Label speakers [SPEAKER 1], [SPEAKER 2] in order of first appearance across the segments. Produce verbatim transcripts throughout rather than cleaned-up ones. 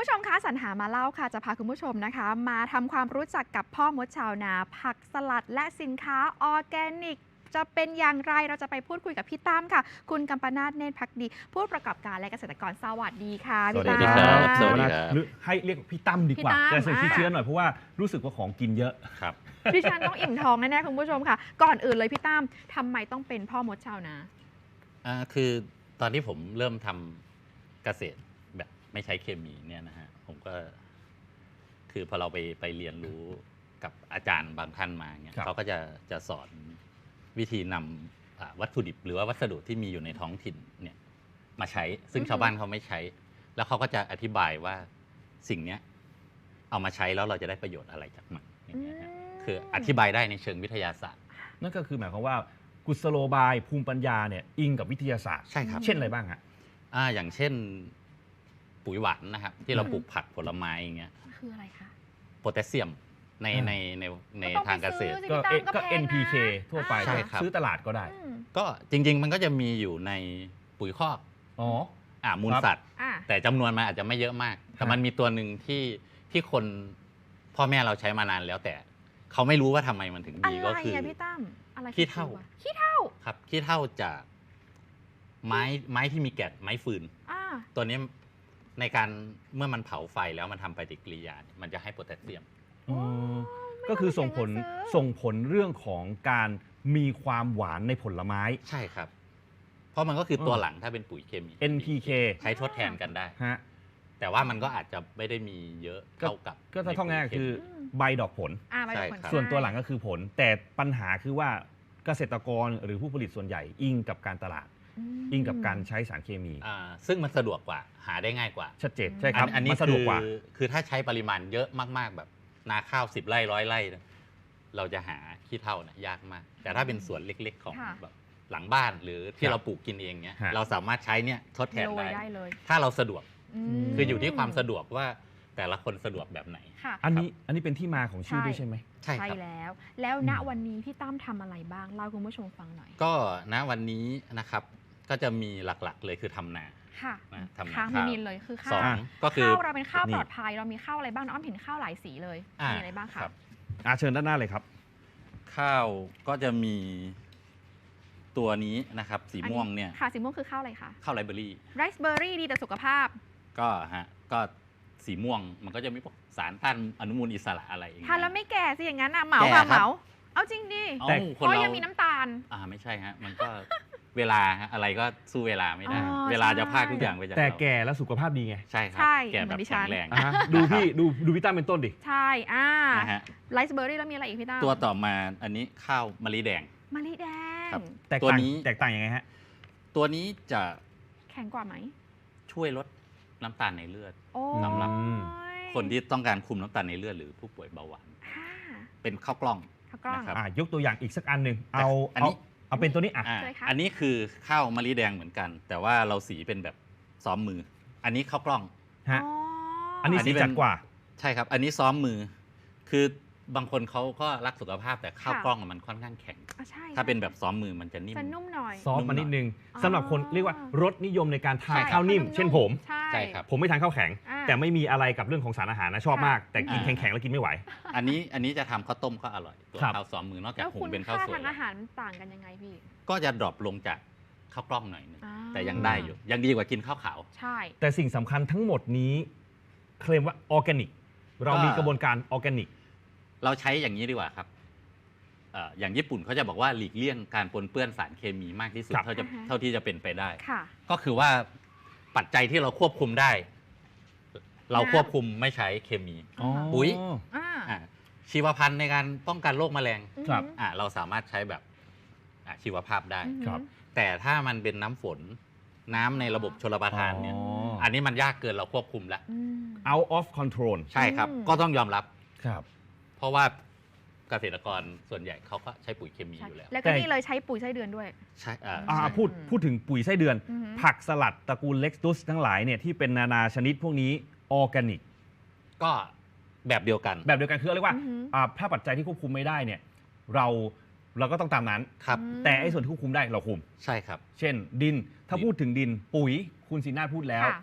[SPEAKER 1] ผู้ชมคะสรรหามาเล่าค่ะจะพาคุณผู้ชมนะคะมาทำความรู้จักกับพ่อมดชาวนาผักสลัดและสินค้าออร์แกนิกจะเป็นอย่างไรเราจะไปพูดคุยกับพี่ตั้มค่ะคุณกัมปนาทเนตรภักดีผู้ประกอบการและเกษตรกรสวัสดีค่ะพี่ตั้ม
[SPEAKER 2] สวัสดีครับสวัสดี
[SPEAKER 3] หรือให้เรียกพี่ตั้มดีกว่า
[SPEAKER 1] พี่ตั้ม
[SPEAKER 3] จะใส่ชื่อเชื้อหน่อยเพราะว่ารู้สึกว่าของกินเยอะ
[SPEAKER 2] ครับ
[SPEAKER 1] ดิฉันต้องอิ่มท้องแน่ๆคุณผู้ชมค่ะ ก่อนอื่นเลยพี่ตั้มทำไมต้องเป็นพ่อมดชาวนา
[SPEAKER 2] อ่าคือตอนที่ผมเริ่มทำเกษตรแบบไม่ใช้เคมีเนี่ยนะฮะผมก็ คือพอเราไปไปเรียนรู้กับอาจารย์บางท่านมาเนี่ย
[SPEAKER 3] ครับ
[SPEAKER 2] เขาก็จะจะสอนวิธีนำอ่าวัตถุดิบ หรือว่าวัสดุที่มีอยู่ในท้องถิ่นเนี่ยมาใช้ ซึ่ง
[SPEAKER 1] อือฮึ
[SPEAKER 2] ชาวบ้านเขาไม่ใช้ แล้วเขาก็จะอธิบายว่าสิ่งเนี้ยเอามาใช้แล้วเราจะได้ประโยชน์อะไรจากมันอย่างเงี้ยฮะคืออธิบายได้ในเชิงวิทยาศาสตร์
[SPEAKER 3] นั่นก็คือหมายความว่ากุศโลบายภูมิปัญญาเนี่ยอิงกับวิทยาศาสตร์
[SPEAKER 2] ใช่ครับ
[SPEAKER 3] เช่นอะไรบ้างฮะ
[SPEAKER 2] อ่าอย่างเช่นปุ๋ยหวานนะครับ ที่เรา
[SPEAKER 1] อืม
[SPEAKER 2] ปลูกผักผลไม้อย่างเงี้ย
[SPEAKER 1] คืออะไรคะ
[SPEAKER 2] โพแทสเซียมใน
[SPEAKER 3] อ่า
[SPEAKER 2] ในในใน
[SPEAKER 1] ก็ต้อง
[SPEAKER 2] ทางเกษตร
[SPEAKER 1] ไปซื้อสิ
[SPEAKER 3] ก็
[SPEAKER 1] พี่ตั้ม
[SPEAKER 3] ก็
[SPEAKER 1] แพงนะ
[SPEAKER 3] เอ็น พี เค ทั่วไป
[SPEAKER 2] ใช่ครับ
[SPEAKER 3] ซื้อตลาดก็ได้
[SPEAKER 1] อืม
[SPEAKER 2] ก็จริง ๆ มันก็จะมีอยู่ในปุ๋ยคอก
[SPEAKER 3] อ๋อ
[SPEAKER 2] อ่ามูล
[SPEAKER 3] ครับ
[SPEAKER 2] สัตว์
[SPEAKER 1] อ่ะ
[SPEAKER 2] แต่จำนวนมันอาจจะไม่เยอะมาก แต่
[SPEAKER 3] ฮะ
[SPEAKER 2] มันมีตัวหนึ่งที่ที่คนพ่อแม่เราใช้มานานแล้วแต่เขาไม่รู้ว่าทำไมมันถึง
[SPEAKER 1] อะ
[SPEAKER 2] ดี
[SPEAKER 1] ไร
[SPEAKER 2] ก็คือ
[SPEAKER 1] อะพี่ตั้มอะไร
[SPEAKER 2] ขี้เถ้า
[SPEAKER 1] คือวะขี้เถ้า
[SPEAKER 2] ครับขี้เถ้าจากไม้ไม้ที่มีแกะไม้ฟืน
[SPEAKER 1] อ่า
[SPEAKER 2] ตัวนี้ในการเมื่อมันเผาไฟแล้วมันทำปฏิกิริยาเนี่ยมันจะให้โพแทสเซียม
[SPEAKER 3] อ๋อก็คือส่งผล
[SPEAKER 1] ไม่ต้องไปซื้อ
[SPEAKER 3] ส่งผลเรื่องของการมีความหวานในผลไม้
[SPEAKER 2] ใช่ครับ เพราะมันก็คือตัว
[SPEAKER 3] เออ
[SPEAKER 2] หลังถ้าเป็นปุ๋ยเคมี
[SPEAKER 3] เอ็น พี เค
[SPEAKER 2] ใช้ทดแทนกันได้
[SPEAKER 3] ฮะ
[SPEAKER 2] แต่ว่ามันก็อาจจะไม่ได้มีเยอะเท่ากับ
[SPEAKER 3] ก็ถ้าท่องง่ายๆคือ
[SPEAKER 1] ม
[SPEAKER 3] ใบดอกผล
[SPEAKER 1] อ่าไป
[SPEAKER 2] ใช่
[SPEAKER 1] ผล
[SPEAKER 2] ครับ
[SPEAKER 3] ส่วนตัวหลังก็คือผล แต่ปัญหาคือว่าเกษตรกรหรือผู้ผลิตส่วนใหญ่อิงกับการตลาด
[SPEAKER 1] ม
[SPEAKER 3] อิงกับการใช้สารเคมี
[SPEAKER 2] อ่าซึ่งมันสะดวกกว่าหาได้ง่ายกว่า
[SPEAKER 3] ชัดเจนใช่ครับ
[SPEAKER 2] อันนี้
[SPEAKER 3] มันสะด
[SPEAKER 2] คื
[SPEAKER 3] วก
[SPEAKER 2] อก
[SPEAKER 3] ว่า
[SPEAKER 2] คือถ้าใช้ปริมาณเยอะมากๆ แบบนาข้าวสิบไร่ร้อยไร่เนี่ยเราจะหาขี้เถ้าเนี่ยยากมาก แต่ถ้าเป็นสวนเล็กๆของ
[SPEAKER 1] ค่ะ
[SPEAKER 2] แบบหลังบ้านหรือที่
[SPEAKER 3] ครับ
[SPEAKER 2] เราปลูกกินเองเนี่ย
[SPEAKER 3] ฮะ
[SPEAKER 2] เราสามารถใช้เนี่ยทดแทน
[SPEAKER 1] โรย
[SPEAKER 2] ได้
[SPEAKER 1] ได้เลย
[SPEAKER 2] ถ้าเราสะดวก
[SPEAKER 1] ม
[SPEAKER 2] คืออยู่ที่ความสะดวกว่าแต่ละคนสะดวกแบบไหน
[SPEAKER 1] ค่ะ
[SPEAKER 3] อันนี้อันนี้เป็นที่มาของชื่อ
[SPEAKER 1] ใช่
[SPEAKER 3] ด้วยใช่ไหม
[SPEAKER 2] ใช่
[SPEAKER 1] ใช่
[SPEAKER 2] ครับ
[SPEAKER 1] แล้ว แล้วณ
[SPEAKER 3] อืม
[SPEAKER 1] วันนี้พี่ตั้มทำอะไรบ้างเล่าคุณผู้ชมฟังหน่อย
[SPEAKER 2] ก็ณวันนี้นะครับก็จะมีหลักๆเลยคือทำนา
[SPEAKER 1] ค่ะ
[SPEAKER 2] นะทำนา
[SPEAKER 1] ค้าง
[SPEAKER 2] ข้าว
[SPEAKER 1] มินเลยคือข้า
[SPEAKER 2] ส
[SPEAKER 1] ว
[SPEAKER 2] องก็คือ
[SPEAKER 1] ข้าวเราเป็นข้าว
[SPEAKER 3] นี่
[SPEAKER 1] ปลอดภัยเรามีข้าวอะไรบ้างน้องอ้อมเห็นข้าวหลายสีเลย
[SPEAKER 2] อ่า
[SPEAKER 1] มีอะไรบ้างคะ
[SPEAKER 2] ครับ
[SPEAKER 3] อ่ะเชิญด้านหน้าเลยครับ
[SPEAKER 2] ข้าวก็จะมีตัวนี้นะครับ สีม่วงเนี่ย
[SPEAKER 1] ค่ะสีม่วงคือข้าวอะไรคะ
[SPEAKER 2] ข้าวไรเบอรี่
[SPEAKER 1] ไรซ์เบอร์รี่ดีต่อสุขภาพ
[SPEAKER 2] ก็ฮะก็สีม่วงมันก็จะมีพวกสารต้านอนุมูลอิสระอะไรอย่างเงี้ย
[SPEAKER 1] ทานแล้วไม่แก่สิอย่างนั้นอ่ะเหมา
[SPEAKER 2] แก่
[SPEAKER 1] ค่ะ
[SPEAKER 2] ค
[SPEAKER 1] เห
[SPEAKER 2] รับ
[SPEAKER 1] มาเอาจริงดิ
[SPEAKER 2] เอ้า
[SPEAKER 3] แต่
[SPEAKER 2] ค
[SPEAKER 1] เพ
[SPEAKER 2] น
[SPEAKER 1] ราะ
[SPEAKER 2] เรา
[SPEAKER 1] ยังมีน้ำตาล
[SPEAKER 2] อ่าไม่ใช่ฮะมันก็ เวลาฮะอะไรก็สู้เวลาไม่ได้
[SPEAKER 1] อ๋อ
[SPEAKER 2] เวลาจะ
[SPEAKER 1] ใช่
[SPEAKER 2] พากทุกอย่างไปจาก
[SPEAKER 3] แต่
[SPEAKER 2] เรา
[SPEAKER 3] แก่แล้วสุขภาพดีไง
[SPEAKER 2] ใช่ครั
[SPEAKER 1] ใช่
[SPEAKER 2] แก่
[SPEAKER 1] เหมื
[SPEAKER 2] แบ
[SPEAKER 1] อน
[SPEAKER 2] บ
[SPEAKER 1] ดิฉั
[SPEAKER 2] แข็
[SPEAKER 1] น
[SPEAKER 2] งแรง
[SPEAKER 3] อ่ะฮะดูพี่ดูดูพี่ตั้มเป็นต้นดิ
[SPEAKER 1] ใช่อ่า
[SPEAKER 2] นะฮะ
[SPEAKER 1] ไรซ์เบอร์รี่แล้วมีอะไรอีกพี่ตั้ม
[SPEAKER 2] ตัวต่อมาอันนี้ข้าวมะลิแดง
[SPEAKER 1] มะลิแดง
[SPEAKER 2] ครับ
[SPEAKER 3] แตก
[SPEAKER 2] ตัว
[SPEAKER 3] ต่าง
[SPEAKER 2] นี้
[SPEAKER 3] แตกต่างยังไงฮะ
[SPEAKER 2] ตัวนี้จะ
[SPEAKER 1] แข็งกว่าไหม
[SPEAKER 2] ช่วยลดน้ำตาลในเลือด
[SPEAKER 1] โอ้
[SPEAKER 2] สำหรับ
[SPEAKER 1] ย
[SPEAKER 2] คนที่ต้องการคุมน้ำตาลในเลือดหรือผู้ป่วยเบาหวาน
[SPEAKER 1] อ่า
[SPEAKER 2] เป็นข้าวกล้อง
[SPEAKER 1] ข้าวกล้อง
[SPEAKER 2] นะครับ
[SPEAKER 3] อ่ะยกตัวอย่างอีกสักอันหนึ่งเอา
[SPEAKER 2] อัน
[SPEAKER 3] เอา
[SPEAKER 2] นี้
[SPEAKER 3] เอาเป็นตัวนี้อ่ะ
[SPEAKER 2] อ่า
[SPEAKER 1] ใช่ค่ะ
[SPEAKER 2] อันนี้คือข้าวมะลิแดงเหมือนกัน แต่ว่าเราสีเป็นแบบซ้อมมือ อันนี้ข้าวกล้อง
[SPEAKER 3] ฮะ
[SPEAKER 1] อ๋อ
[SPEAKER 3] อันนี้
[SPEAKER 2] อันนี้
[SPEAKER 3] สี
[SPEAKER 2] เป็น
[SPEAKER 3] จัดกว่า
[SPEAKER 2] ใช่ครับ อันนี้ซ้อมมือ คือบางคนเขาก็รักสุขภาพแต่ข้าวกล้องอะมันค่อนข้างแข็ง
[SPEAKER 1] อ่ะใช่
[SPEAKER 2] ถ้าเป็นแบบซ้อมมือมันจะนิ่ม
[SPEAKER 1] จะนุ่มหน่อย
[SPEAKER 3] ซอฟต์มานิดนึง
[SPEAKER 1] อ๋อ
[SPEAKER 3] สำหรับคนเรียกว่ารสนิยมในการทาน
[SPEAKER 1] ใช่
[SPEAKER 3] ข้าวนิ่ม
[SPEAKER 1] ข้าว
[SPEAKER 3] เช่นผม
[SPEAKER 1] ใช่
[SPEAKER 2] ใช่ครับ
[SPEAKER 3] ผมไม่ทานข้าวแข็ง
[SPEAKER 1] อ่า
[SPEAKER 3] แต่ไม่มีอะไรกับเรื่องของสารอาหารนะชอบ
[SPEAKER 1] ค่ะ
[SPEAKER 3] มาก แต่กิน
[SPEAKER 2] อ่า
[SPEAKER 3] แข็งๆแล้วกินไม่ไหว
[SPEAKER 2] อันนี้อันนี้จะทำข้าวต้มก็อร่อย ตัว
[SPEAKER 3] ครับ
[SPEAKER 2] ข้าวซ้อมมือนอกจา
[SPEAKER 1] แล้
[SPEAKER 2] ก
[SPEAKER 1] ว
[SPEAKER 2] หุ
[SPEAKER 1] คุ
[SPEAKER 2] ง
[SPEAKER 1] ณ
[SPEAKER 2] เป็นข้าว
[SPEAKER 1] ค่า
[SPEAKER 2] สวย
[SPEAKER 1] ทางอาหารต่างกันยังไงพี่
[SPEAKER 2] ก็จะดรอปลงจากข้าวกล้องหน่อยนึง
[SPEAKER 1] อ่า
[SPEAKER 2] แต่ยังได้อยู่ ยังดีกว่ากินข้าวขาว
[SPEAKER 1] ใช่
[SPEAKER 3] แต่สิ่งสำคัญทั้งหมดนี้เคลมว่าออร์แกนิก เรามีกระบวนการออร์แกนิก
[SPEAKER 2] เราใช้อย่างนี้ดีกว่าครับเอ่ออย่างญี่ปุ่นเขาจะบอกว่าหลีกเลี่ยงการปนเปื้อนสารเคมีมากที่สุด
[SPEAKER 3] ครับ
[SPEAKER 2] เท่าจะ
[SPEAKER 1] อ่าฮะ
[SPEAKER 2] เท่าที่จะเป็นไปได้
[SPEAKER 1] ค่ะ
[SPEAKER 2] ก็คือว่าปัจจัยที่เราควบคุมได้ เรา
[SPEAKER 1] น้ำ
[SPEAKER 2] ควบคุมไม่ใช้เคมี
[SPEAKER 1] อ๋อ
[SPEAKER 2] ปุ๋ย
[SPEAKER 1] อ่า
[SPEAKER 2] อ่าชีวพันธุ์ในการป้องกันโรคแมลง
[SPEAKER 3] ครับ
[SPEAKER 2] อ่าเราสามารถใช้แบบอ่าชีวภาพได้
[SPEAKER 1] อือหือ
[SPEAKER 3] ครับ
[SPEAKER 2] แต่ถ้ามันเป็นน้ำฝนน้ำในระบบชลประทานเนี่ย
[SPEAKER 3] อ๋อ
[SPEAKER 2] อันนี้มันยากเกินเราควบคุมแล้ว
[SPEAKER 1] อืม
[SPEAKER 3] out of control
[SPEAKER 2] ใช่ครับ
[SPEAKER 1] อืม
[SPEAKER 2] ก็ต้องยอมรับ
[SPEAKER 3] ครับ
[SPEAKER 2] เพราะว่าเกษตรกรส่วนใหญ่เขาก็ใช้ปุ๋ยเคมี
[SPEAKER 1] ใช่
[SPEAKER 2] อยู่แล้ว
[SPEAKER 1] แล้วก็
[SPEAKER 3] แต่
[SPEAKER 1] นี่เลยใช้ปุ๋ยไส้เดือนด้วย
[SPEAKER 2] ใช่อ่า
[SPEAKER 3] อ่า
[SPEAKER 2] ใช่
[SPEAKER 3] พูดพูดถึงปุ๋ยไส้เดือน
[SPEAKER 1] อือหือ
[SPEAKER 3] ผักสลัดตระกูลเล็กตุสทั้งหลายเนี่ยที่เป็นนานาชนิดพวกนี้ออร์แกนิก
[SPEAKER 2] ก็แบบเดียวกัน
[SPEAKER 3] แบบเดียวกันคือเรียกว่า
[SPEAKER 1] อือหือ
[SPEAKER 3] อ่าถ้าปัจจัยที่ควบคุมไม่ได้เนี่ยเราเราก็ต้องตามนั้น
[SPEAKER 2] ครับ
[SPEAKER 1] อืม
[SPEAKER 3] แต่ไอ้ส่วนที่ควบคุมได้เราคุม
[SPEAKER 2] ใช่ครับ
[SPEAKER 3] เช่น ดินถ้า
[SPEAKER 2] ดิน
[SPEAKER 3] พูดถึงดินปุ๋ยคุณศินาถพูดแล้ว
[SPEAKER 1] ค่ะ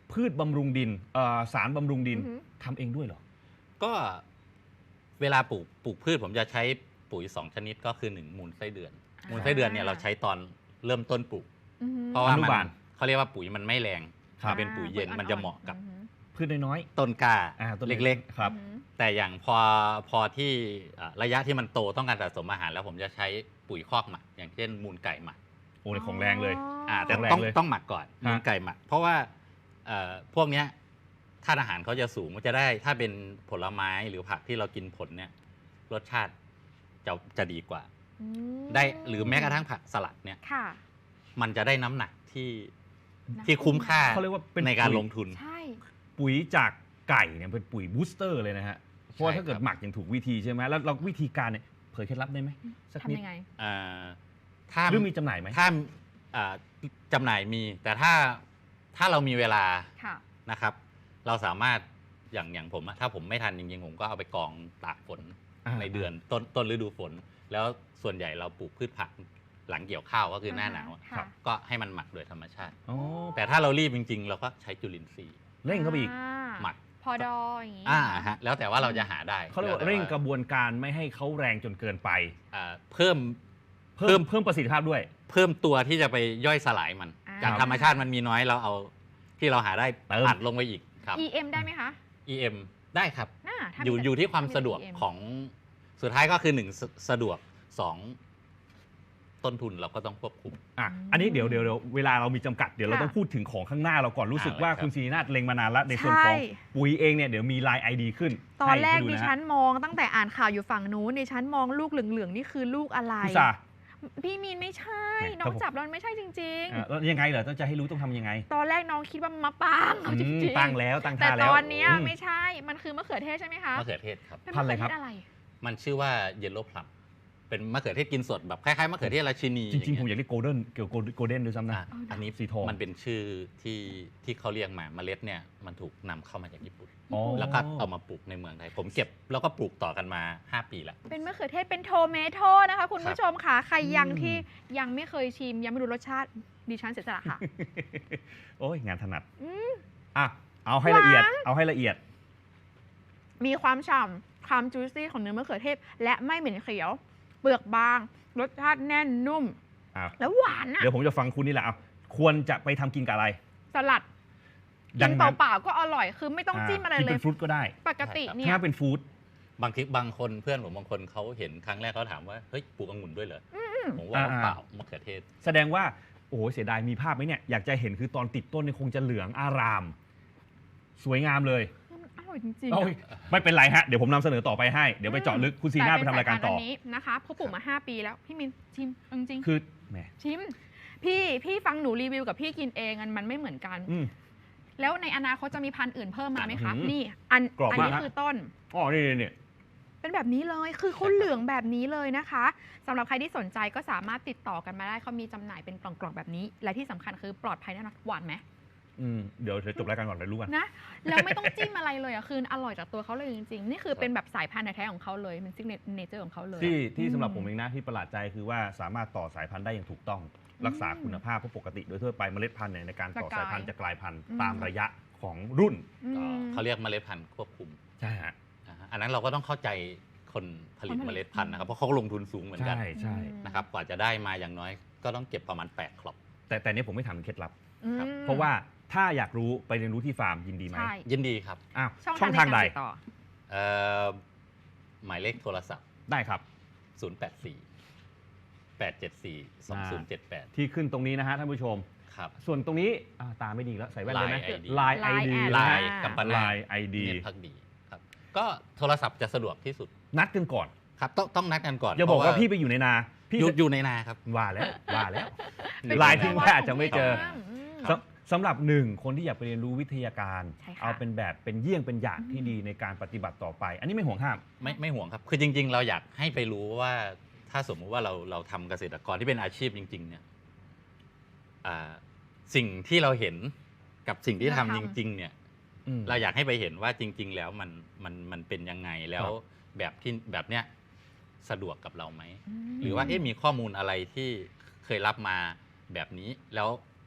[SPEAKER 3] พืชบำรุงดินเอ่อสารบำรุงดิน
[SPEAKER 1] อือฮึ
[SPEAKER 3] ทำเองด้วยเหรอ
[SPEAKER 2] ก็เวลาปลูกปลูกพืชผมจะใช้ปุ๋ยสองชนิดก็คือหนึ่งมูลไส้เดือน
[SPEAKER 1] อ่า
[SPEAKER 2] มูลไส้เดือนเนี่ยเราใช้ตอนเริ่มต้นปลูก
[SPEAKER 1] อือฮึ
[SPEAKER 2] เพราะว่า
[SPEAKER 3] อนุ
[SPEAKER 2] มัน
[SPEAKER 3] บาล
[SPEAKER 2] เขาเรียกว่าปุ๋ยมันไม่แรง
[SPEAKER 3] ครับ
[SPEAKER 2] มันเป็นปุ๋ยเย็น
[SPEAKER 1] อ่
[SPEAKER 2] มันจะเหมาะกับ
[SPEAKER 1] อือฮึ
[SPEAKER 3] พืชน้อย
[SPEAKER 2] ต้นกล้า
[SPEAKER 3] ๆอ่าต้น
[SPEAKER 2] เล็ก
[SPEAKER 3] ๆครับ
[SPEAKER 1] อือฮึ
[SPEAKER 2] ๆ แต่อย่างพอพอที่อ่าระยะที่มันโตต้องการสะสมอาหารแล้วผมจะใช้ปุ๋ยคอกหมักอย่างเช่นมูลไก่หมัก
[SPEAKER 3] โอ้ในของแรงเลย
[SPEAKER 2] อ่าแต่
[SPEAKER 3] แรง
[SPEAKER 2] ต้อง
[SPEAKER 3] เลย
[SPEAKER 2] ต้องหมักก่อน
[SPEAKER 3] ฮะ
[SPEAKER 2] มูลไก่หมัก เพราะว่าเอ่อพวกเนี้ยธาตุอาหารเขาจะสูงมันจะได้ถ้าเป็นผลไม้หรือผักที่เรากินผลเนี่ยรสชาติจะจะดีกว่า
[SPEAKER 1] อืม
[SPEAKER 2] ได้หรือแม้กระทั่งผักสลัดเนี่ย
[SPEAKER 1] ค่ะ
[SPEAKER 2] มันจะได้น้ำหนักที่
[SPEAKER 1] นะ
[SPEAKER 2] ที่คุ้มค่า
[SPEAKER 3] เขาเรียกว่าเป็น
[SPEAKER 2] ในการ
[SPEAKER 3] ปุ๋ย
[SPEAKER 2] ลงทุน
[SPEAKER 1] ใช่
[SPEAKER 3] ปุ๋ยจากไก่เนี่ยเป็นปุ๋ยบูสเตอร์เลยนะฮะ เพราะว่า
[SPEAKER 2] ใช่
[SPEAKER 3] ถ้าเกิด
[SPEAKER 2] ครับ
[SPEAKER 3] หมักอย่างถูกวิธีใช่ไหมแล้วเราวิธีการเนี่ยเผยเคล็ดลับได้ไหมสักนิด
[SPEAKER 1] ทำยังไง
[SPEAKER 2] เอ่อถ้า
[SPEAKER 3] หรือมีจำหน่ายไหม
[SPEAKER 2] ถ้าอ่าจำหน่ายมี แต่ถ้าถ้าเรามีเวลา
[SPEAKER 1] ค่ะ
[SPEAKER 2] นะครับ เราสามารถอย่างอย่างผมอะถ้าผมไม่ทันจริงๆ ผมก็เอาไปกองตากฝน
[SPEAKER 3] อ่า
[SPEAKER 2] ในเดือนต้นต้นฤดูฝน แล้วส่วนใหญ่เราปลูกพืชผักหลังเกี่ยวข้าวก็คือหน้าหนาวอะ
[SPEAKER 1] ค่ะ
[SPEAKER 2] ก็ให้มันหมักโดยธรรมชาติ
[SPEAKER 3] อ๋อ
[SPEAKER 2] แต่ถ้าเรารีบจริง ๆ เราก็ใช้จุลินทรีย์
[SPEAKER 3] เร่งเข้าไปอีก
[SPEAKER 1] า
[SPEAKER 2] หมัก
[SPEAKER 1] พอดออย่างงี้
[SPEAKER 2] อ่าฮะแล้วแต่ว่าเราจะหาได้
[SPEAKER 3] เขาเรียกว่า
[SPEAKER 2] แล้วแต่
[SPEAKER 3] เร่งกระบวนการไม่ให้เขาแรงจนเกินไป
[SPEAKER 2] อ่าเพิ่ม
[SPEAKER 3] เพิ่มเพิ่มประสิทธิภาพด้วย
[SPEAKER 2] เพิ่มตัวที่จะไปย่อยสลายมัน
[SPEAKER 1] อ่า
[SPEAKER 2] จากธรรมชาติมันมีน้อยเราเอาที่เราหาได้
[SPEAKER 3] เติม
[SPEAKER 2] อัดลงไปอีกครับ
[SPEAKER 1] อี เอ็ม ได้ไหมคะ
[SPEAKER 2] อี เอ็ม ได้ครับ
[SPEAKER 1] น่าถ้า
[SPEAKER 2] อยู่
[SPEAKER 1] มี
[SPEAKER 2] อยู่ที่ความสะดวก
[SPEAKER 1] อี เอ็ม
[SPEAKER 2] ของสุดท้ายก็คือหนึ่งสสะดวกสองต้นทุนเราก็ต้องควบคุม
[SPEAKER 3] อ่ะอันนี้เดี๋ยวเดี๋ยวเดี๋ยวเวลาเรามีจำกัดเดี๋ยวเรา
[SPEAKER 1] ค่ะ
[SPEAKER 3] ต้องพูดถึงของข้างหน้าเราก่อนรู้สึก
[SPEAKER 2] เอาเลย
[SPEAKER 3] ว่า
[SPEAKER 2] ครับ
[SPEAKER 3] คุณซีนาฏเล็งมานานแล้วในส่วนของ
[SPEAKER 1] ใช่
[SPEAKER 3] ปุ๋ยเองเนี่ยเดี๋ยวมีไลน์ไอดีขึ้น
[SPEAKER 1] ตอนแรก
[SPEAKER 3] ให้
[SPEAKER 1] ดิ
[SPEAKER 3] ดูะฮะ
[SPEAKER 1] ฉันมองตั้งแต่อ่านข่าวอยู่ฝั่งนู้นดิฉันมองลูกเหลืองๆนี่คือลูกอะไร
[SPEAKER 3] พิซซ่า
[SPEAKER 1] พี่มีนไม่ใช่
[SPEAKER 3] แหม่
[SPEAKER 1] น้อ
[SPEAKER 3] ถ้าง ผม
[SPEAKER 1] จับแล้วมันไม่ใช่จริง
[SPEAKER 3] อ่ะแล้วยังไงเหรอต้องจะให้รู้ต้องทำยังไง
[SPEAKER 1] ๆ ตอนแรกน้องคิดว่ามันมะปรางเอาจ
[SPEAKER 3] อืม
[SPEAKER 1] ริงๆ
[SPEAKER 3] ตั้งแล้วตั้ง
[SPEAKER 1] แต่
[SPEAKER 3] ท่าแล้
[SPEAKER 1] ต
[SPEAKER 3] ว
[SPEAKER 1] อนเนี้ย
[SPEAKER 3] อืม
[SPEAKER 1] ไม่ใช่ มันคือมะเขือเทศใช่ไหมคะ
[SPEAKER 2] มะเขือเทศครับ
[SPEAKER 1] เป็น
[SPEAKER 3] พั
[SPEAKER 1] มะ
[SPEAKER 3] นธุ์
[SPEAKER 1] เขื
[SPEAKER 3] อะไรครับ
[SPEAKER 1] อเทศอะไร
[SPEAKER 2] มันชื่อว่าเยลโล่พลัมเป็นมะเขือเทศกินสดแบบคล้ายๆมะเขือเทศราชินี
[SPEAKER 3] จริงๆ ผม
[SPEAKER 2] อ
[SPEAKER 3] อยากเรียกโกลเด้นเกี่ยวกับโกลเด้นด้วยซ้ำนะ
[SPEAKER 2] อ่ะอันนี้
[SPEAKER 3] สีทอง
[SPEAKER 2] มันเป็นชื่อที่ที่เขาเรียกมาเมล็ดเนี่ยมันถูกนำเข้ามาจากญี่ปุ่น
[SPEAKER 3] อ๋อ
[SPEAKER 2] แล้วก็เอามาปลูกในเมืองไทยผมเก็บแล้วก็ปลูกต่อกันมาห้าปีแล้ว
[SPEAKER 1] เป็นมะเขือเทศเป็นโทเมโตนะคะ คุณผู้ชมค่ะ ใครยังที่ยังไม่เคยชิม ยังไม่รู้รสชาติดิฉันเสียสละค่ะ
[SPEAKER 3] โอ้ยงานถนัด
[SPEAKER 1] อืม
[SPEAKER 3] อ่ะเอาให้ละเอียด เอาให้ละเอียด
[SPEAKER 1] มีความฉ่ำความจูซี่ของเนื้อมะเขือเทศ และไม่เหม็นเขียว เปลือกบาง รสชาติแน่นนุ่ม
[SPEAKER 3] อ่ะ
[SPEAKER 1] แล้วหวานอ่ะ
[SPEAKER 3] เดี๋ยวผมจะฟังคุณนี่แหละเอาควรจะไปทำกินกับอะไร
[SPEAKER 1] สลัด
[SPEAKER 3] ดั
[SPEAKER 1] กิน
[SPEAKER 3] งนั้น
[SPEAKER 1] เปล่าๆก็อร่อย คือไม่ต้องจิ้มอะไร
[SPEAKER 3] กิน
[SPEAKER 1] เล
[SPEAKER 3] เป็
[SPEAKER 1] ย
[SPEAKER 3] นฟรุตก็ได้
[SPEAKER 1] ปกติเนี่ย
[SPEAKER 3] ถ้าเป็นฟู้ด
[SPEAKER 2] บางทีบางคนเพื่อนผมบางคนเขาเห็นครั้งแรกเขาถามว่าเฮ้ยปลูกองุ่นด้วยเหรออผมว่า
[SPEAKER 3] อ่า
[SPEAKER 2] เปล่ามะเขือเทศ
[SPEAKER 3] แสดงว่าโอ้โหเสียดายมีภาพไหมเนี่ยอยากจะเห็นคือตอนติดต้นเนี่ยคงจะเหลืองอาราม สวยงามเลย
[SPEAKER 1] มันอร่อยจริงๆ
[SPEAKER 3] โอ้ย
[SPEAKER 1] อะ
[SPEAKER 3] ไม่เป็นไรฮะเดี๋ยวผมนำเสนอต่อไปให้เดี๋ยวไปเจาะลึกคุณซีน่าไปทำรายการต่อ
[SPEAKER 1] แต่เป็นสพันธุ์นนี้นะคะเพราะปลูกมาห้าปีแล้ว พี่มินชิมเอาจริงๆ
[SPEAKER 3] คือแหม
[SPEAKER 1] ชิม พี่พี่ฟังหนูรีวิวกับพี่กินเองอันมันไม่เหมือนกัน
[SPEAKER 3] อืม
[SPEAKER 1] แล้วในอนาคตจะมีพันธุ์อื่นเพิ่มมาไหมคะ
[SPEAKER 3] อืม
[SPEAKER 1] นี่อัน
[SPEAKER 3] กรอบ
[SPEAKER 1] อั
[SPEAKER 3] มาก
[SPEAKER 1] นี้
[SPEAKER 3] ฮะ
[SPEAKER 1] คือต้น
[SPEAKER 3] อ๋อนี่นี่นี่
[SPEAKER 1] เป็นแบบนี้เลย คือเขาเหลืองแบบนี้เลยนะคะสำหรับใครที่สนใจก็สามารถติดต่อกันมาได้เขามีจำหน่ายเป็นกล่องๆแบบนี้ และที่สำคัญคือปลอดภัยแน่นอนหวานไหม
[SPEAKER 3] อืมเดี๋ยวเดี๋ยวจบรายการก่อนเลยรู้กัน
[SPEAKER 1] นะแล้วไม่ต้องจิ้มอะไรเลยอ่ะคืออร่อยจากตัวเขาเลยจริงๆ นี่คือเป็นแบบสายพันธุ์แท้ๆของเขาเลยเป็นซิกเนเจอร์ของเขาเลย
[SPEAKER 3] ที่ที่
[SPEAKER 1] อืม
[SPEAKER 3] สำหรับผมเองนะที่ประหลาดใจคือว่าสามารถต่อสายพันธุ์ได้อย่างถูกต้อง รักษาคุณภาพเพราะปกติโดยทั่วไปเมล็ดพันธุ์เนี่ยในการต่อ
[SPEAKER 1] จะกลาย
[SPEAKER 3] สายพันธุ์จะกลายพันธุ์
[SPEAKER 1] อืม
[SPEAKER 3] ตามระยะของรุ่น
[SPEAKER 1] อืม
[SPEAKER 2] เขาเรียกเมล็ดพันธุ์ควบคุม
[SPEAKER 3] ใช่ฮะ
[SPEAKER 2] อ่าฮะอันนั้นเราก็ต้องเข้าใจคนผลิต
[SPEAKER 1] คนผลิต
[SPEAKER 2] เมล็ดพันธุ์นะครับเพราะเขาลงทุนสูงเหมือนกัน
[SPEAKER 3] ใช่ใช่
[SPEAKER 2] นะครับกว่าจะได้มาอย่างน้อยก็ต้องเก็บประมาณแปดครอบ
[SPEAKER 3] แต่แต่เนี้ผมไม่ถามถึงเคล็ดลับ
[SPEAKER 1] อืม
[SPEAKER 2] ครับ
[SPEAKER 3] เพราะว่าถ้าอยากรู้ไปเรียนรู้ที่ฟาร์มยินดีไหม
[SPEAKER 1] ใช่
[SPEAKER 2] ยินดีครับ
[SPEAKER 3] อ้าว
[SPEAKER 1] ช่อง
[SPEAKER 3] ช่อง
[SPEAKER 1] ทา
[SPEAKER 3] ทาง ง
[SPEAKER 1] ใน
[SPEAKER 3] ใด
[SPEAKER 1] การติดต่อ
[SPEAKER 2] เอ่อหมายเลขโทรศัพท์
[SPEAKER 3] ได้ครับ
[SPEAKER 2] ศูนย์ แปด สี่ แปด เจ็ด สี่ สอง ศูนย์ เจ็ด แปด
[SPEAKER 3] ที่ขึ้นตรงนี้นะฮะท่านผู้ชม
[SPEAKER 2] ครับ
[SPEAKER 3] ส่วนตรงนี้อ่าตาไม่ดีแล้วใส่แว่นเลยไหม
[SPEAKER 2] Line ไอดี
[SPEAKER 3] ไลน์ไอดี
[SPEAKER 1] Line
[SPEAKER 2] ไล
[SPEAKER 1] อ่า
[SPEAKER 2] น์กัมปนา
[SPEAKER 3] ไล
[SPEAKER 2] ท
[SPEAKER 3] น์ไอดี
[SPEAKER 2] เนตรพักดีครับก็โทรศัพท์จะสะดวกที่สุด
[SPEAKER 3] นัดกันก่อน
[SPEAKER 2] ครับต้องต้องนัดกันก่อน
[SPEAKER 3] อย่าบอก
[SPEAKER 2] เพระ
[SPEAKER 3] ว่าพี่ไปอยู่ในนาพี่
[SPEAKER 2] อยู่
[SPEAKER 3] จะ
[SPEAKER 2] อยู่ในนาครับ
[SPEAKER 3] ว่าแล้วว่าแล้ว
[SPEAKER 1] เป็น
[SPEAKER 3] ไลน์ทิ้งไว้อาจจะไม่เจอ
[SPEAKER 1] อืม
[SPEAKER 2] ครับ
[SPEAKER 3] สำสำหรับหนึ่งคนที่อยากไปเรียนรู้วิทยาการ
[SPEAKER 1] ใช่ค่ะ
[SPEAKER 3] เอาเป็นแบบเป็นเยี่ยงเป็นอย่างที่ดีในการปฏิบัติต่อไป อันนี้ไม่ห่วงห้าม
[SPEAKER 2] ไม่ไม่ห่วงครับ คือจริง ๆ เราอยากให้ไปรู้ว่าถ้าสมมุติว่าเราเราทำเกษตรกรที่เป็นอาชีพจริง ๆ เนี่ยอ่าสิ่งที่เราเห็นกับสิ่งที่ทำ
[SPEAKER 1] เรา
[SPEAKER 2] จ
[SPEAKER 1] ทำ
[SPEAKER 2] ริง ๆ เนี่ย
[SPEAKER 3] อืม
[SPEAKER 2] เราอยากให้ไปเห็นว่าจริง ๆ แล้วมันมันมันเป็นยังไงแล้ว
[SPEAKER 3] ครับ
[SPEAKER 2] แบบที่แบบเนี้ยสะดวกกับเราไหม
[SPEAKER 1] ม
[SPEAKER 2] หรือว่าเอ๊ะมีข้อมูลอะไรที่เคยรับมาแบบนี้ แล้วพ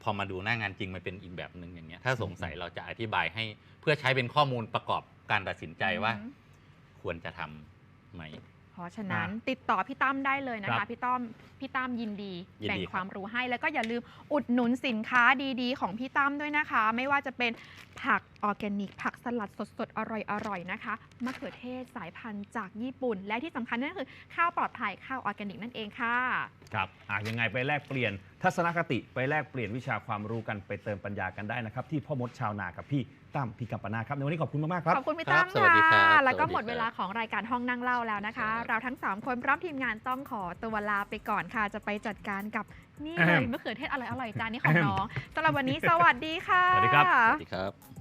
[SPEAKER 2] พอมาดูหน้างานจริงมันเป็นอีกแบบหนึ่งอย่างเงี้ยถ้าสงสัยเราจะอธิบายให้เพื่อใช้เป็นข้อมูลประกอบการตัดสินใจว่า
[SPEAKER 1] อืม
[SPEAKER 2] ควรจะทำไหม
[SPEAKER 1] เพราะฉะนั้น
[SPEAKER 3] อ่ะ
[SPEAKER 1] ติดต่อพี่ตั้มได้เลยนะ
[SPEAKER 3] ครั
[SPEAKER 1] คะ
[SPEAKER 3] บ
[SPEAKER 1] พี่ต้อมพี่ตั้มยินดี
[SPEAKER 2] ยินดี
[SPEAKER 1] แบ่ง
[SPEAKER 2] ครับ
[SPEAKER 1] ความรู้ให้ แล้วก็อย่าลืมอุดหนุนสินค้าดีๆ ของพี่ตั้มด้วยนะคะ ไม่ว่าจะเป็นผักออร์แกนิก ผักสลัดสดๆ อร่อยๆ นะคะมะเขือเทศสายพันธุ์จากญี่ปุ่น และที่สำคัญนั่นก็คือข้าวปลอดภัยข้าวออร์แกนิกนั่นเองค่ะ
[SPEAKER 3] ครับอ่ะยังไงไปแลกเปลี่ยนทัศนคติไปแลกเปลี่ยนวิชาความรู้กันไปเติมปัญญากันได้นะครับ ที่พ่อมดชาวนากับพี่ตั้มพี่กัมปนาทครับในวันนี้ขอบคุณมากๆครับ
[SPEAKER 1] ขอบคุณพี่
[SPEAKER 2] ครั
[SPEAKER 1] ตั้
[SPEAKER 2] บ
[SPEAKER 1] ม
[SPEAKER 2] สวัสดีครั
[SPEAKER 1] ค่ะ
[SPEAKER 2] บ
[SPEAKER 1] แล้วก็
[SPEAKER 2] สวัสดี
[SPEAKER 1] หมดเวลา
[SPEAKER 2] ครับ
[SPEAKER 1] ของรายการห้องนั่งเล่าแล้วนะคะ
[SPEAKER 2] ครับ
[SPEAKER 1] เราทั้งสามคนพร้อมทีมงานต้องขอตัวลาไปก่อนค่ะ จะไปจัดการกับนี่เลย
[SPEAKER 3] แอม
[SPEAKER 1] มะเขือเทศอร่อยๆจานนี้ของน้องสำหรับวันนี้สวัสดีค่ะ
[SPEAKER 3] สวัสดีครับ
[SPEAKER 2] สวัสดีครับ